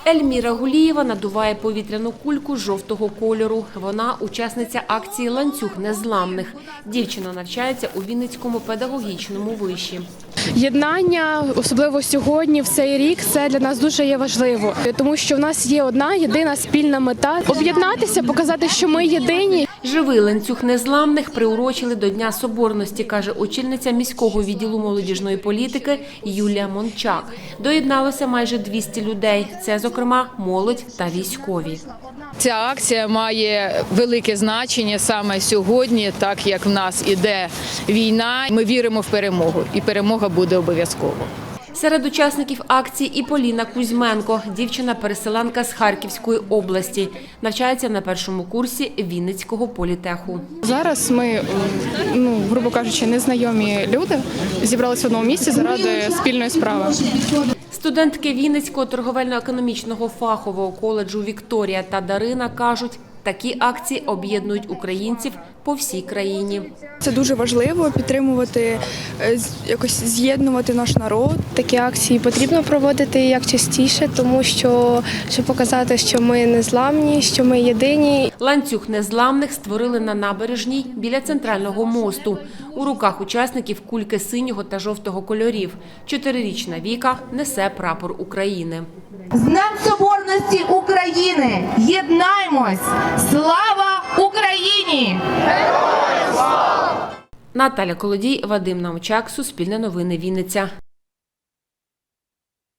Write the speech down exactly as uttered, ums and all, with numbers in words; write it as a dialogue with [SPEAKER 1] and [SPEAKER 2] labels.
[SPEAKER 1] Ельміра Гулієва надуває повітряну кульку жовтого кольору. Вона – учасниця акції «Ланцюг незламних». Дівчина навчається у Вінницькому педагогічному виші.
[SPEAKER 2] Єднання, особливо сьогодні, в цей рік, це для нас дуже є важливо. Тому що в нас є одна єдина спільна мета – об'єднатися, показати, що ми єдині.
[SPEAKER 1] Живий ланцюг незламних приурочили до Дня Соборності, каже очільниця міського відділу молодіжної політики Юлія Мончак. Доєдналося майже двісті людей. Це, зокрема, молодь та військові.
[SPEAKER 3] Ця акція має велике значення саме сьогодні, так як в нас іде війна. Ми віримо в перемогу, і перемога буде обов'язково.
[SPEAKER 1] Серед учасників акції і Поліна Кузьменко. Дівчина-переселенка з Харківської області. Навчається на першому курсі Вінницького політеху.
[SPEAKER 2] Зараз ми, ну, грубо кажучи, незнайомі люди зібралися в одному місці заради спільної справи.
[SPEAKER 1] Студентки Вінницького торговельно-економічного фахового коледжу Вікторія та Дарина кажуть, такі акції об'єднують українців по всій країні.
[SPEAKER 4] Це дуже важливо – підтримувати, якось з'єднувати наш народ.
[SPEAKER 5] Такі акції потрібно проводити як частіше, тому що, щоб показати, що ми незламні, що ми єдині.
[SPEAKER 1] Ланцюг незламних створили на набережній біля центрального мосту. У руках учасників кульки синього та жовтого кольорів. Чотирирічна Віка несе прапор України.
[SPEAKER 6] З Днем Соборності України! Єднаймось! Слава Україні!
[SPEAKER 1] Наталя Колодій, Вадим Наумчак, Суспільне новини, Вінниця.